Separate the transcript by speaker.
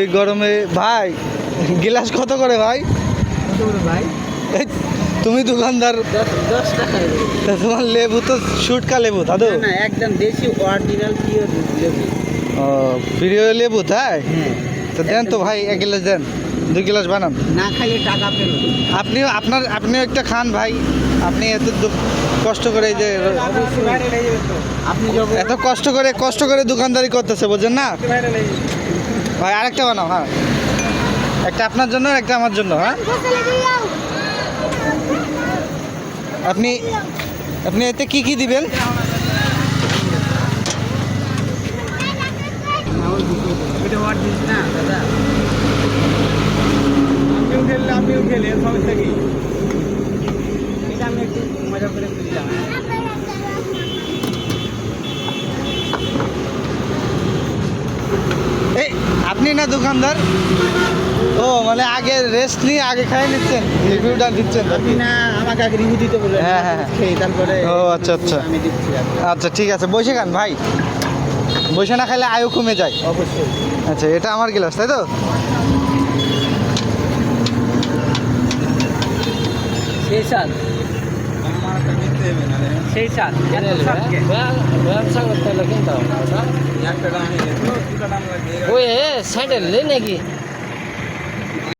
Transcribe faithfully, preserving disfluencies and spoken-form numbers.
Speaker 1: এই গরমে ভাই গ্লাস কত করে ভাই?
Speaker 2: ভাই
Speaker 1: এই, তুমি দোকানদার,
Speaker 2: দশ টাকা।
Speaker 1: তোমার লেবু তো শুটকা লেবু দাদু।
Speaker 2: না একদম দেশি অরিজিনাল পিওর লেবু।
Speaker 1: ও প্রিয় লেবু তাই?
Speaker 2: হ্যাঁ
Speaker 1: তো দেন তো ভাই, এক গ্লাস দেন, দুই গ্লাস বানান।
Speaker 2: না খাইলে টাকা ফেরত।
Speaker 1: আপনিও আপনার আপনিও একটা খান ভাই, আপনি এত দু- কষ্ট করে এই যে
Speaker 2: আপনি যখন
Speaker 1: এত কষ্ট করে কষ্ট করে দোকানদারি করতেছে বোঝেন না ভাই। আরেকটা বানাও, হ্যাঁ একটা আপনার জন্য একটা আমার জন্য। হ্যাঁ আপনি আপনি এতে কি কি দিবেন?
Speaker 2: এটা অরিজিনাল না দাদা।
Speaker 3: আমিও খেললে আমিও খেলে সমস্যা কি?
Speaker 2: এটা আমি একটু মজা করে বুঝলাম।
Speaker 1: এই আপনি না দোকানদার? ও মানে আগে রেস্ট নিয়ে আগে খাই নিচ্ছেন, রিভিউটা দিচ্ছেন।
Speaker 2: আপনি না আমাকে আগে রিভিউ দিতে বললেন।
Speaker 1: হ্যাঁ, হ্যাঁ, হ্যাঁ।
Speaker 2: খেয়ে তারপরে
Speaker 1: ও, আচ্ছা, আচ্ছা।
Speaker 2: আমি দিচ্ছি আপনাকে।
Speaker 1: আচ্ছা ঠিক আছে, বসে খান ভাই, বসে না খেলে আয়ু কমে যায়।
Speaker 2: অবশ্যই।
Speaker 1: আচ্ছা এটা আমার গ্লাস তাই তো?
Speaker 2: সেই সাল
Speaker 3: আমার একটা কিনতে হবে না রে।
Speaker 2: সেই সাল এত সালকে
Speaker 4: ব্যবসা করতে হলে কিনতে হবে না ওটা।
Speaker 3: একটা দাম নিয়ে যেত, দুটা দাম লাগবে।
Speaker 4: ওই স্যান্ডেল নেই নাকি?